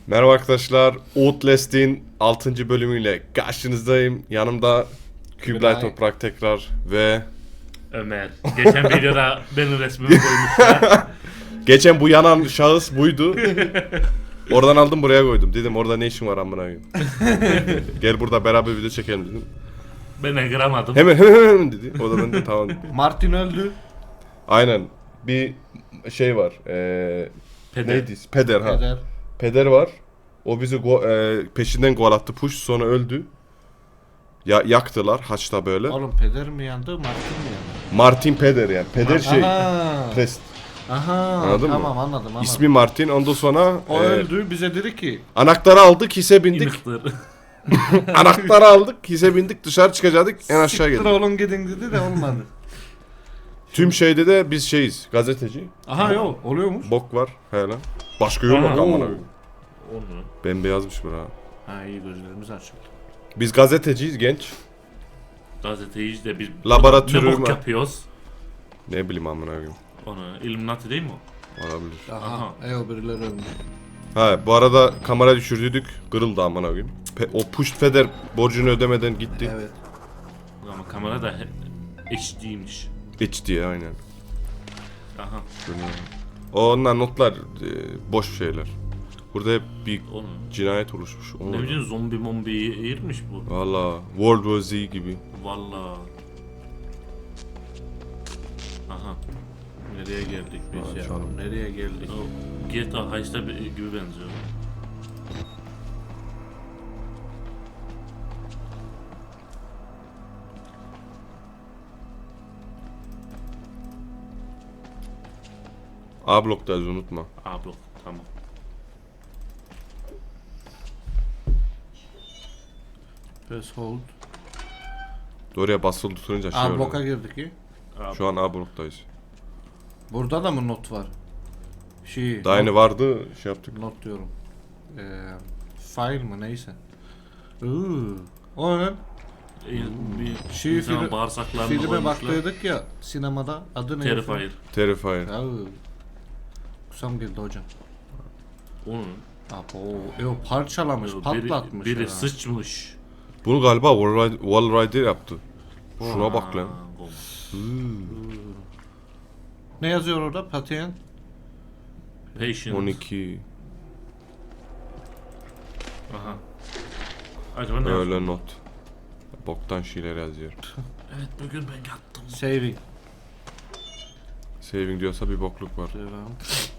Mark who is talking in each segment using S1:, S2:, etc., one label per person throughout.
S1: Merhaba arkadaşlar, Outlast'in 6. bölümüyle karşınızdayım. Yanımda Küblay Toprak tekrar ve
S2: Ömer. Geçen videoda benim resmimi koymuşlar.
S1: geçen bu yanan şahıs buydu. Oradan aldım buraya koydum. Dedim orada ne işin var amına koyayım. Gel burada beraber video çekelim dedim.
S2: Ben kıramadım.
S1: Hemen dedi. O da ben de tamam.
S3: Martin öldü.
S1: Aynen. Bir şey var.
S2: Peder.
S1: Neydi? Peder ha.
S3: Eder.
S1: Peder var. O bizi peşinden gol attı. Push sonra öldü. Yaktılar haçta böyle.
S3: Oğlum peder mi yandı, Martin mi yandı?
S1: Martin Peder yani. Peder şey.
S3: Aha.
S1: Prest.
S3: Aha.
S1: Anladın mı?
S3: Tamam anladım.
S1: İsmi Martin. Ondan sonra
S3: O öldü, bize dedi ki
S1: anahtarı aldık, hisse bindik.
S2: İmıktır.
S1: Anahtarı aldık, hisse bindik, dışarı çıkacaktık, en aşağı
S3: siktir
S1: geldik.
S3: oğlum gidin dedi de olmadı.
S1: Tüm şeyde de biz şeyiz, gazeteci.
S3: Aha yok, oluyormuş.
S1: Bok var hele. Başka yol yok
S2: Aha.
S1: amına koyayım.
S2: Onu.
S1: Bembeyazmış bura.
S3: Ha iyi, gözlerimiz açıldı.
S1: Biz gazeteciyiz genç.
S2: Gazeteyiz de biz
S1: Laboratuvar
S2: ne bok
S1: mı?
S2: yapıyoruz?
S1: Ne bileyim amına koyayım.
S2: Onu Illuminati değil mi o?
S1: Olabilir.
S3: Aha. O birileri ölmüş.
S1: Ha bu arada kamera düşürdük, kırıldı amına koyayım. O push feder borcunu ödemeden gitti.
S3: Evet.
S2: Ama kamera da HD'ymiş.
S1: HD aynen.
S2: Aha.
S1: Onlar notlar boş şeyler. Burada hep bir
S2: Onu.
S1: cinayet oluşmuş.
S2: Ne bileyim zombi mombiyi eğirmiş bu.
S1: Valla World War Z gibi.
S2: Valla. Aha. Nereye geldik biz ya?
S1: canım.
S3: Nereye geldik?
S2: O GTA Heist'a gibi benziyor.
S1: A bloktayız unutma.
S2: Blok. Tamam.
S3: Press hold.
S1: Oraya basılı tutunca şey
S3: A
S1: oluyor.
S3: bloka girdik ki.
S1: Şu an A bloktayız.
S3: Burada da mı not var?
S1: Daha yeni vardı şey yaptık.
S3: Not diyorum. File mı neyse. O ne?
S2: Bir
S3: Şey,
S2: insanın
S3: film-
S2: bağırsaklarını
S3: Filme
S2: koymuşlar.
S3: baktıydık ya sinemada. Adı neydi?
S2: Terrifier.
S1: Terrifier.
S3: Ya, kusam geldi hocam.
S2: Onun.
S3: Abo, parçalamış, patlatmış
S2: Biri
S3: ya.
S2: sıçmış.
S1: Bunu galiba Wall Rider yaptı. Şuna bak lan.
S3: Ne yazıyor orada? Patient.
S2: Patient.
S1: 12
S2: Aha. Acaba ne
S1: öyle
S2: yazıyor?
S1: not. Boktan şeyler yazıyor.
S2: Evet bugün ben yattım.
S3: Saving.
S1: Saving diyorsa bir bokluk var.
S3: Devam.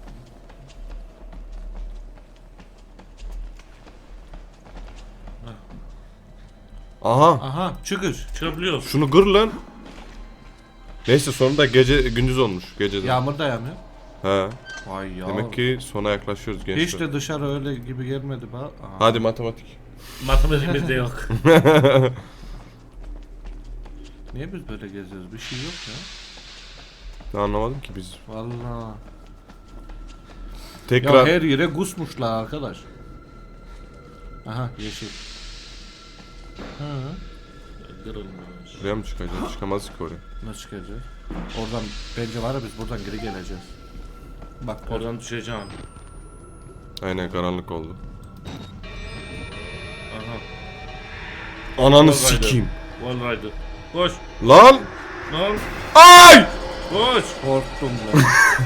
S1: Aha!
S3: Aha, çıkış.
S2: Çıkabiliyoruz.
S1: Şunu kır lan. Neyse sonunda gece gündüz olmuş geceden.
S3: Yağmur da yağmıyor.
S1: He.
S3: Vay ya.
S1: Demek ki sona yaklaşıyoruz gençler.
S3: Hiç de dışarı öyle gibi gelmedi bana. Aha.
S1: Hadi matematik.
S2: Matematiğimizde yok.
S3: Niye biz böyle geziyoruz? Bir şey yok ya.
S1: Ben anlamadım ki biz.
S3: Vallahi. Ya
S1: Tekrar
S3: her yere kusmuşlar arkadaş. Aha yeşil. Hı.
S2: Kırılmış.
S1: buraya mı çıkacağız? Çıkamaz ki oraya.
S3: Nasıl çıkacağız? Oradan bence var ya biz buradan geri geleceğiz. Bak
S2: Oradan düşeceğim.
S1: Aynen karanlık oldu.
S2: Aha.
S1: Ananı
S2: Wall Rider.
S1: sikeyim.
S2: Wall Rider. Koş.
S1: Lan!
S2: Lan.
S1: Ay!
S2: Koş.
S3: korktum ben.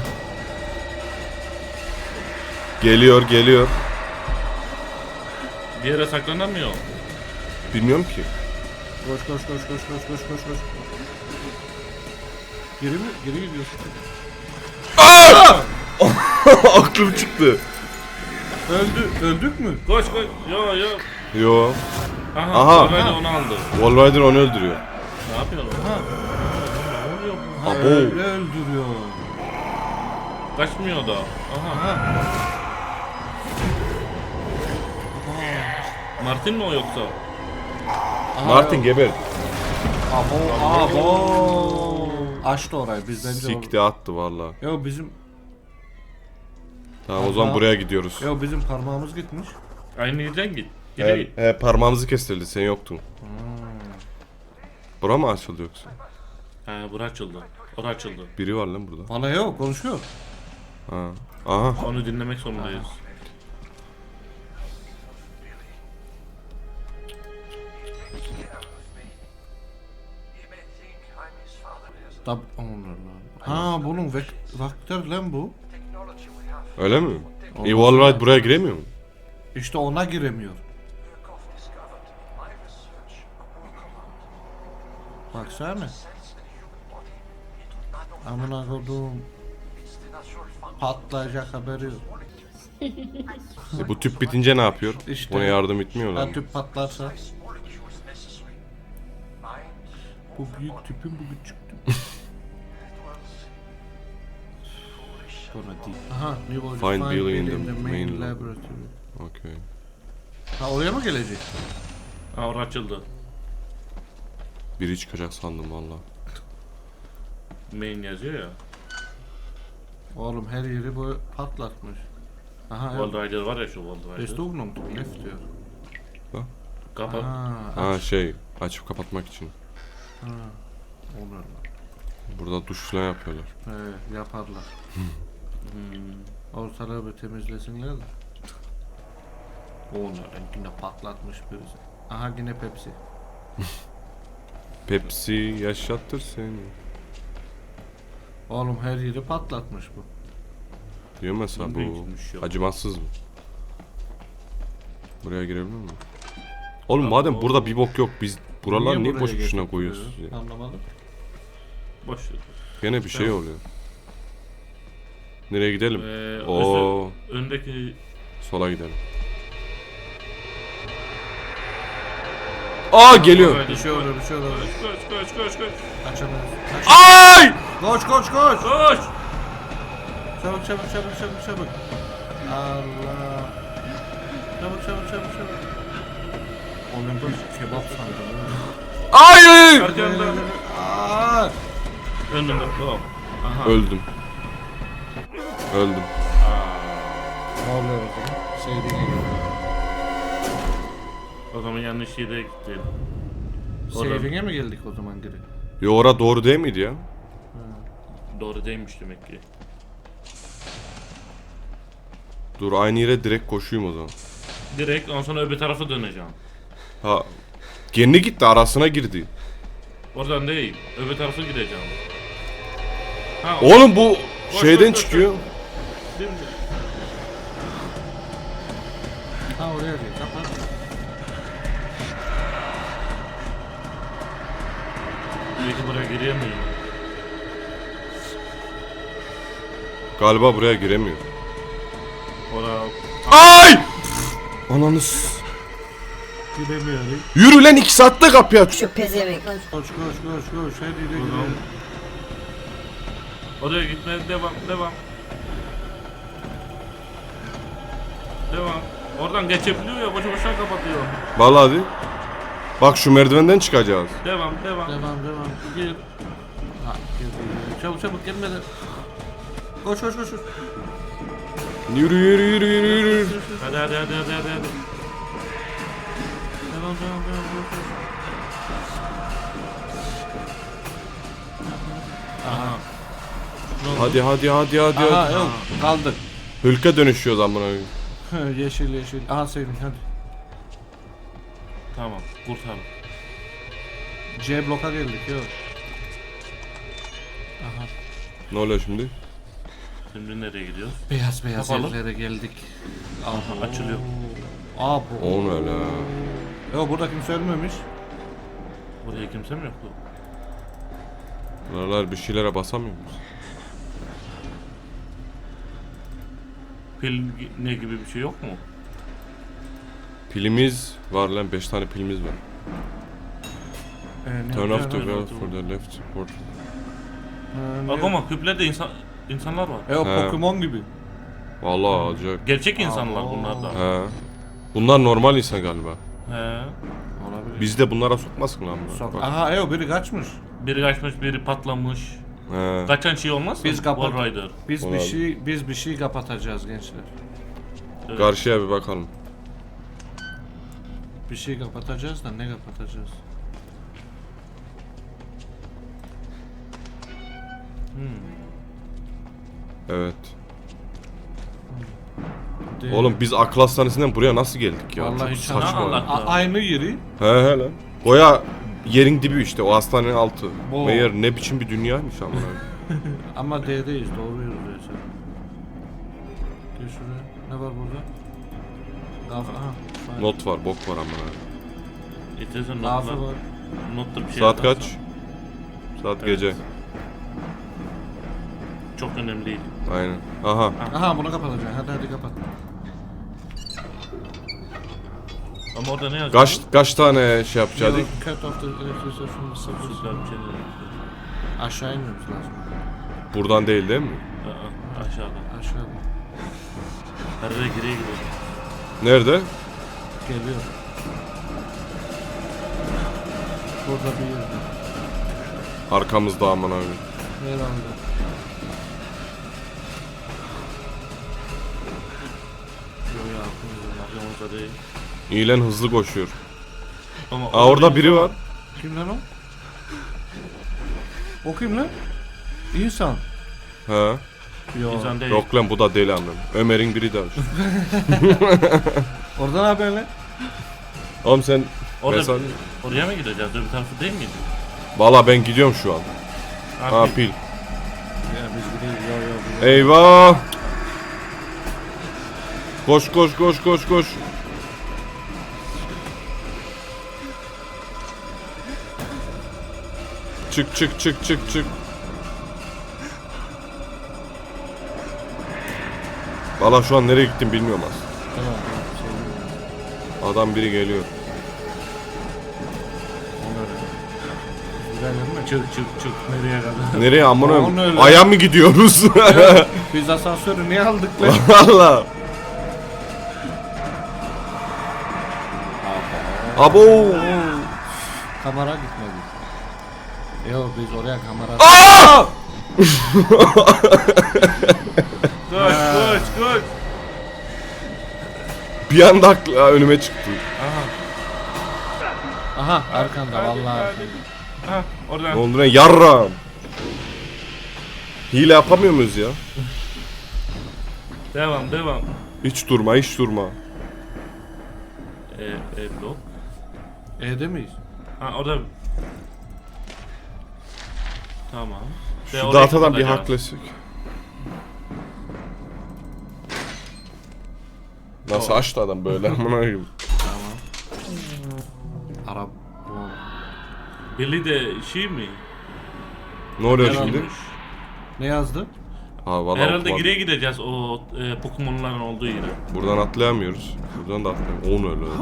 S1: Geliyor.
S2: Bir yere saklanamıyor.
S1: Bilmiyorum ki.
S3: Koş. Geri mi? Geri gidiyorsun.
S1: Aklım çıktı.
S3: Öldük mü?
S2: Koş. Yo.
S1: Yo.
S2: Aha.
S1: Aha.
S2: Wall Rider onu aldı.
S1: Wall Rider onu öldürüyor.
S2: Ne yapıyor lan?
S3: Ha.
S2: Ne oluyor bu?
S1: Abo.
S3: Öyle öldürüyor.
S2: Kaçmıyor da. Aha.
S3: Aha.
S2: Martin mi o yoksa?
S3: Aha,
S1: Martin
S3: yok.
S1: geber.
S3: Abo. Açtı orayı biz bence.
S1: Sikti attı valla.
S3: Yo bizim
S1: Tamam o zaman buraya gidiyoruz.
S3: bizim parmağımız gitmiş.
S2: Aynı yerden git. Geri git.
S1: Parmağımızı kestirdi sen yoktun. Bura mı açıldı yoksa?
S2: Bura açıldı. Ora açıldı.
S1: Biri var lan burada.
S3: Bana yok konuşuyor.
S1: Ha. Aha.
S2: Onu dinlemek zorundayız.
S3: Ha bunun vektör lan bu.
S1: Öyle mi?
S3: Olmaz
S1: Evolve buraya giremiyor mu?
S3: İşte ona giremiyor. Baksana. Amına koduğum. Patlayacak haberi yok.
S1: Bu tüp bitince ne yapıyor?
S3: İşte.
S1: Buna yardım etmiyorlar
S3: Ha
S1: mı?
S3: tüp patlarsa. Bu büyük tüpün bu küçük tüp. Buna değil. Aha, new order.
S1: Find Billy in
S3: Billy
S1: the main lab.
S3: laboratory.
S1: Okey.
S3: Ha oraya mı gelecek?
S2: Ha orası açıldı.
S1: Biri çıkacak sandım valla.
S2: Main yazıyor ya.
S3: Oğlum her yeri bu patlatmış. Aha
S2: Wall
S3: evet.
S2: Rider var ya şu Wall Rider.
S3: Bestoğunum left diyor.
S2: Kapat.
S1: Ha şey açıp kapatmak için.
S3: Ha. Olur.
S1: Burada duş falan yapıyorlar.
S3: Yaparlar. Ortalığı bir temizlesinler de. Onlar yine patlatmış birisi. Aha yine Pepsi.
S1: Pepsi yaşattır seni.
S3: Oğlum her yeri patlatmış bu.
S1: Diyor mesela bu
S2: İlginçmiş ya.
S1: acımasız mı? Buraya girebilir mi? Oğlum madem burada bir bok yok biz buralar niye
S3: buraya
S1: boş boşuna
S3: getirtiyor?
S1: koyuyoruz ya?
S3: Anlamadım.
S2: Boş ver.
S1: Gene bir şey oluyor. Nereye gidelim?
S2: Ee,
S1: Oo,
S2: Öndeki
S1: sola gidelim. Aa geliyor.
S3: Bir şey olur, bir şey olur.
S2: Koş.
S3: Kaçamıyoruz.
S1: Ay!
S3: Koş.
S2: Koş!
S3: Çabuk. Allah. Çabuk. Oğlum bu kebap sandım.
S1: Ay!
S2: Arkanda.
S3: Aa!
S2: Önümde. Tamam. Aha.
S1: Öldüm.
S3: Ne oluyor o zaman? Saving'e geldik.
S2: O zaman yanlış yere gittim. Oradan-
S3: Saving'e mi geldik o zaman geri?
S1: Yo ora doğru değil miydi ya?
S2: Doğru değilmiş demek ki.
S1: Dur aynı yere direkt koşuyum o zaman.
S2: Direkt ondan sonra öbür tarafa döneceğim.
S1: Ha. Kendi gitti arasına girdi.
S2: Oradan değil. Öbür tarafa gideceğim. Ha,
S1: Oğlum bu
S2: Koş,
S1: şeyden
S2: koş,
S1: çıkıyor.
S2: Şimdi.
S3: Ha oraya gel. Kapat.
S2: Belki buraya giremiyorum.
S1: Galiba buraya giremiyor.
S2: Oraya...
S1: Ay! Ananız.
S3: Giremiyorum.
S1: Yürü lan 2 saatte kapıyı aç.
S4: Şu pezevenk.
S3: Koş. Her yere girelim.
S2: Oraya gitmeye devam. Oradan geçebiliyor ya boşu boşuna kapatıyor.
S1: Vallahi hadi. Bak şu merdivenden çıkacağız.
S2: Devam.
S3: Devam. Gir. Ha gir. Çabuk gelmeden. Koş.
S1: Yürü.
S2: Hadi. Devam. Aha.
S1: Hadi.
S3: Aha yok kaldık.
S1: Hülke dönüşüyoruz amına.
S3: Yeşil. Aha Saving hadi.
S2: Tamam kurtar.
S3: C bloka geldik yok. Aha.
S1: Ne oluyor şimdi?
S2: Şimdi nereye gidiyoruz?
S3: Beyaz
S2: Kapalı.
S3: evlere geldik.
S2: Aha, açılıyor.
S3: Abo.
S1: O ne la?
S3: Yok burada kimse ölmemiş.
S2: Buraya kimse mi yoktu?
S1: Buralar bir şeylere basamıyor muyuz?
S2: Pil ne gibi bir şey yok mu?
S1: Pilimiz var lan 5 tane pilimiz var. Turn off the
S2: turn
S1: valve
S2: off the-
S1: for the left port.
S2: Bak ama küplerde insanlar var.
S3: Yok
S1: He.
S3: Pokemon gibi.
S1: Vallahi alacak.
S2: Gerçek insanlar bunlar da.
S1: He. Bunlar normal insan galiba.
S2: He.
S3: Olabilir.
S1: Biz de bunlara sokmasın lan bunlar.
S3: Sok.
S1: Bak.
S3: Aha yok biri kaçmış.
S2: Biri kaçmış, biri patlamış.
S1: He.
S2: Kaçan şey olmaz mı?
S3: Biz kapat-
S2: Wall Rider.
S3: Biz bir şey kapatacağız gençler.
S2: Evet.
S1: Karşıya bir bakalım.
S3: Bir şey kapatacağız da ne kapatacağız?
S1: Evet.
S3: Değil.
S1: Oğlum biz akıl hastanesinden buraya nasıl geldik ya?
S3: Vallahi
S1: Çok
S3: hiç
S1: saçma.
S2: anlamadım.
S3: Aynı yeri.
S1: He lan. Goya yerin dibi işte o hastanenin altı.
S3: Oo.
S1: Meğer ne biçim bir dünyaymış amına.
S3: Ama D'deyiz, doğru yürüyoruz. Gel şuraya. Ne var burada? Aha.
S1: Not var, bok var amına.
S2: İstersen
S3: Lafı
S2: notla.
S3: var.
S2: Notla bir şey
S1: Saat
S2: atarsan.
S1: kaç? Saat
S2: Evet.
S1: gece.
S2: Çok önemli değil.
S1: Aynen. Aha.
S3: Aha bunu kapatacaksın. Hadi kapat.
S2: Ama orada ne yazıyor?
S1: Kaç tane şey yapacaktık?
S3: Cut off the electricity from the surface.
S2: Süper bir şeyler yazıyor.
S3: Aşağı inmemiz lazım.
S1: Buradan değil değil mi?
S2: Aşağıda.
S3: Aşağıda.
S2: Her yere geriye gidiyor.
S1: Nerede?
S3: Geliyor. Burada bir yerde.
S1: Arkamızda amına koyayım.
S3: Herhalde.
S2: Yok ya aklımızda değil.
S1: İyilen hızlı koşuyor.
S2: Ama
S1: Aa orada biri var.
S3: Kim lan o? O kim lan? İnsan.
S1: He.
S3: Yo.
S2: İnsan değil.
S1: Yok lan bu da deli amına. Ömer'in biri daha.
S3: Oradan haber lan.
S1: Oğlum sen
S2: Orada,
S1: mesela...
S2: oraya mı gideceğiz? Öbür tarafı değil miydi?
S1: Valla ben gidiyorum şu an. Ha
S2: Abi,
S1: pil.
S3: Ya biz gidelim. Yo.
S1: Eyvah. Koş. Çık. Valla şu an nereye gittim bilmiyorum aslında.
S3: Tamam.
S1: Adam biri geliyor.
S3: Gidelim mi?
S2: çık.
S3: Nereye kadar?
S1: Nereye amına
S3: Onu öyle.
S1: aya mı gidiyoruz?
S3: Biz asansörü niye aldık lan?
S1: Valla. Abo.
S3: Kamera gitmedi. Yok biz oraya kamera...
S1: Aa!
S2: Koş.
S1: Bir anda önüme çıktı.
S3: Aha arkanda vallahi.
S2: Ha
S1: Ne
S2: oradan.
S1: oldu lan yarram? Hile yapamıyor muyuz ya?
S2: Devam.
S1: Hiç durma.
S2: Blok.
S3: E'de miyiz?
S2: Ha orada. Tamam.
S1: Şu datadan bir haklısık. Nasıl açtı adam böyle amına koyayım.
S3: Tamam. Arap.
S2: Billy de şey mi?
S1: Ne oluyor
S3: Herhalde.
S1: şimdi?
S3: Ne yazdı?
S1: Ha valla
S2: Herhalde
S1: okumadım.
S2: geriye gideceğiz o Pokemon'ların olduğu yere.
S1: Buradan atlayamıyoruz. Buradan da atlayamıyoruz. Onu öyle.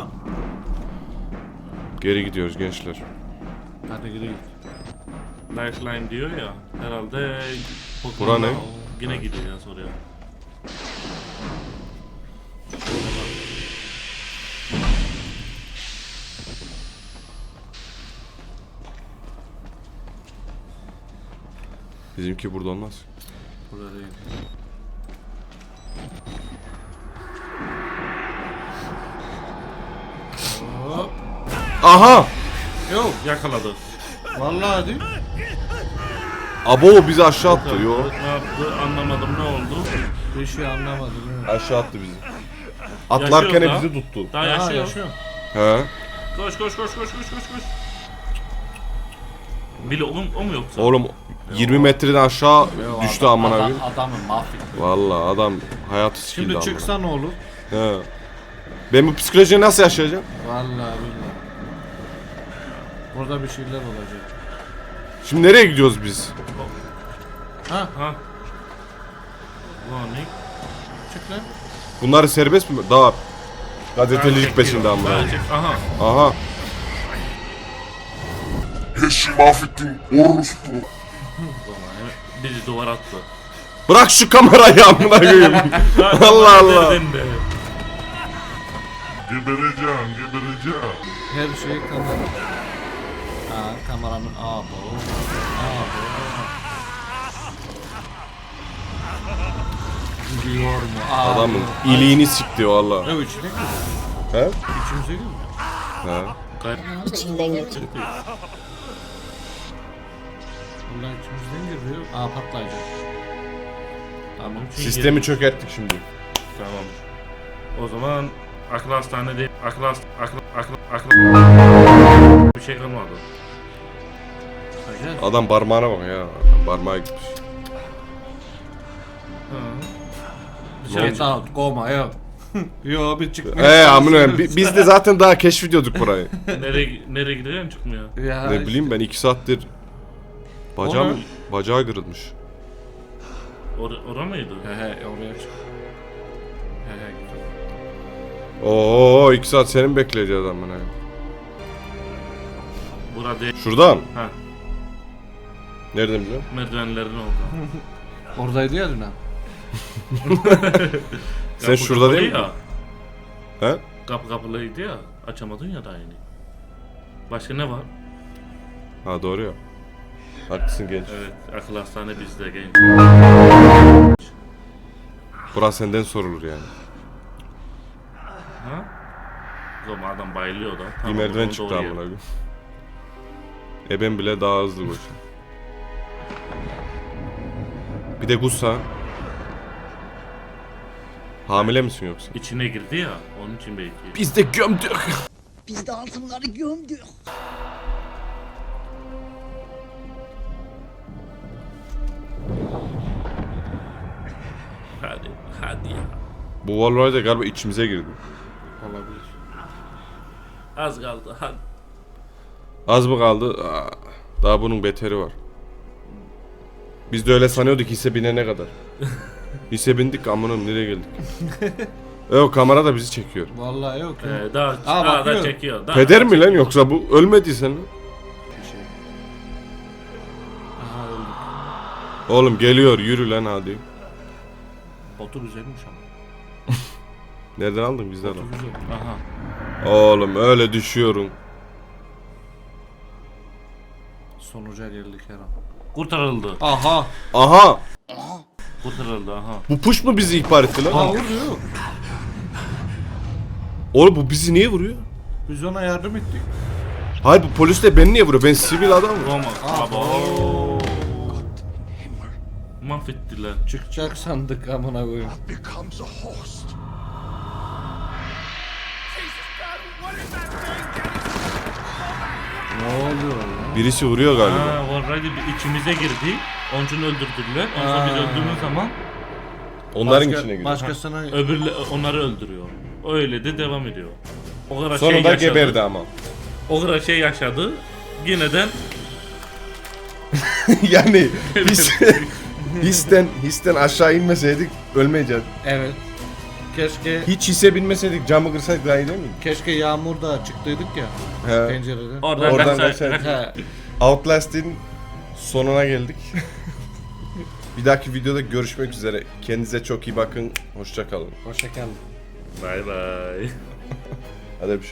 S1: Geri gidiyoruz gençler.
S3: Hadi gidelim.
S2: Lifeline diyor ya. Herhalde
S1: Bura
S2: Pokemon'lar
S1: ne?
S2: yine gideceğiz oraya.
S1: Bizimki burada olmaz.
S3: Burada değil. Hop.
S1: Aha!
S3: Yok.
S2: Yakaladı.
S3: Vallahi değil.
S1: Abo bizi aşağı attı. Yo.
S2: Ne yaptı anlamadım ne oldu.
S3: Bir şey anlamadım. değil mi?
S1: Aşağı attı bizi. Atlarken
S2: Yaşıyor
S1: bizi tuttu.
S2: Daha
S3: Ha,
S2: yaşıyor.
S3: yaşıyor.
S1: He.
S2: Koş. Billy o mu yoksa?
S1: Oğlum 20 metreden aşağı
S3: Yo,
S1: düştü amına
S3: adam,
S1: koyayım.
S3: adamı mahvetti.
S1: Valla adam hayatı sikildi
S3: Şimdi
S1: amına.
S3: çıksa ne olur?
S1: He. Ben bu psikolojiyi nasıl yaşayacağım?
S3: Vallahi billahi. Burada bir şeyler olacak.
S1: Şimdi nereye gidiyoruz biz?
S3: Ha,
S2: Ha. Ulan ne?
S3: çık lan.
S1: Bunları serbest mi? Daha gazetecilik peşinde amına.
S2: Aha.
S1: Aha.
S4: Eşi mahvettin orospu.
S2: Bizi duvar attı.
S1: Bırak şu kamerayı amına koyayım. Allah Allah.
S2: Nereden de?
S4: Gebereceğim.
S3: Her şey kamera. Ha, kameranın abo. Gidiyor mu? Abo.
S1: Adamın iliğini sikti valla.
S3: Ne o içine giriyor?
S1: He?
S3: İçimize giriyor.
S1: He.
S5: İçinden geçiyor.
S3: Vallahi içimizden giriyor. Aa patlayacak.
S2: Tamam.
S1: Sistemi çökerttik şimdi.
S2: Tamam. O zaman akıl hastane değil. Akıl bir şey kalmadı.
S3: Göreceğiz.
S1: Adam parmağına bak ya. Parmağı gitmiş.
S2: Hı.
S3: Get out, koma yok. Yo bir çıkmıyor.
S1: Amına biz de zaten daha keşfediyorduk burayı.
S2: Nereye gidiyorsun çıkmıyor.
S3: Ya
S1: Ne bileyim ben 2 saattir
S2: Ona-
S1: bacağı kırılmış.
S2: Ora mıydı?
S3: He oraya çık. He gidiyor.
S1: Oo 2 saat seni mi bekleyeceğiz amına?
S2: Burada değil.
S1: Şuradan.
S2: Ha,
S1: Nereden biliyorsun?
S2: merdivenlerin oldu.
S3: Oradaydı ya dün ha.
S1: Sen
S2: Kapı
S1: şurada
S2: kapalı
S1: değil mi?
S2: ya.
S1: He?
S2: Kapı kapalıydı ya. Açamadın ya daha yeni. Başka ne var?
S1: Ha doğru ya. Haklısın genç.
S2: Evet, akıl hastane bizde genç.
S1: Burası senden sorulur yani.
S2: Ha? O zaman adam bayılıyor da.
S1: Bir
S2: Tamam,
S1: merdiven
S2: onu
S1: çıktı
S2: doğru
S1: amına
S2: yer.
S1: koyayım. Ben bile daha hızlı koşuyor. Bir de Gusa. Hamile misin yoksa?
S2: İçine girdi ya, onun için belki.
S1: Biz de gömdük.
S5: Biz de altınları gömdük.
S2: Hadi ya.
S1: Bu vallahi de galiba içimize girdi.
S3: Olabilir.
S2: Az kaldı, hadi.
S1: Az mı kaldı? Daha bunun beteri var. Biz de öyle sanıyorduk hisse binene kadar. Hisse bindik amına nereye geldik? Yok kamera da bizi çekiyor.
S3: Vallahi yok ya.
S2: Daha
S3: Aa,
S2: da
S3: bakıyor.
S2: çekiyor. Daha
S1: Peder
S2: da
S1: mi lan
S2: çekiyor.
S1: yoksa bu ölmediysen lan?
S3: Bir şey. Aha öldük.
S1: Oğlum geliyor yürü lan hadi.
S3: Botu güzelmiş ama.
S1: Nereden aldın bizden
S3: Botu
S1: al.
S3: güzel.
S2: Aha.
S1: Oğlum öyle düşüyorum.
S3: Sonuca geldik her an.
S2: Kurtarıldı.
S3: Aha.
S1: Aha!
S2: Kurtarıldı aha.
S1: Bu push mu bizi ihbar etti lan?
S3: Aa vuruyor.
S1: Oğlum bu bizi niye vuruyor?
S3: Biz ona yardım ettik.
S1: Hayır bu polis de beni niye vuruyor? Ben sivil adamım.
S2: Roma.
S3: Aa,
S2: Baba. Mahvettiler.
S3: Çıkacak sandık amına koyayım.
S4: Becomes a host.
S3: Ne oluyor lan?
S1: Birisi vuruyor galiba.
S2: Ha, Warrior'da bir içimize girdi. Onun için öldürdüler. Ondan sonra biz
S3: Ha.
S2: öldüğümüz zaman
S1: Onların içine giriyor.
S3: Başkasına
S2: onları öldürüyor. Öyle de devam ediyor. O kadar
S1: Sonunda
S2: şey yaşadı.
S1: geberdi ama.
S2: O kadar şey yaşadı. Yineden
S1: Yani histen aşağı inmeseydik ölmeyeceğiz.
S3: evet. Keşke
S1: Hiç hisse binmeseydik camı kırsaydık daha iyi değil mi?
S3: keşke yağmurda çıktıydık ya
S1: He.
S3: pencereden.
S2: oradan
S1: Oradan
S2: kaçsa-
S1: kaçar.
S3: He.
S1: Outlast'in sonuna geldik. Bir dahaki videoda görüşmek üzere. Kendinize çok iyi bakın. Hoşça kalın.
S3: Hoşça kalın.
S2: Bay bay.
S1: Hadi bir şey.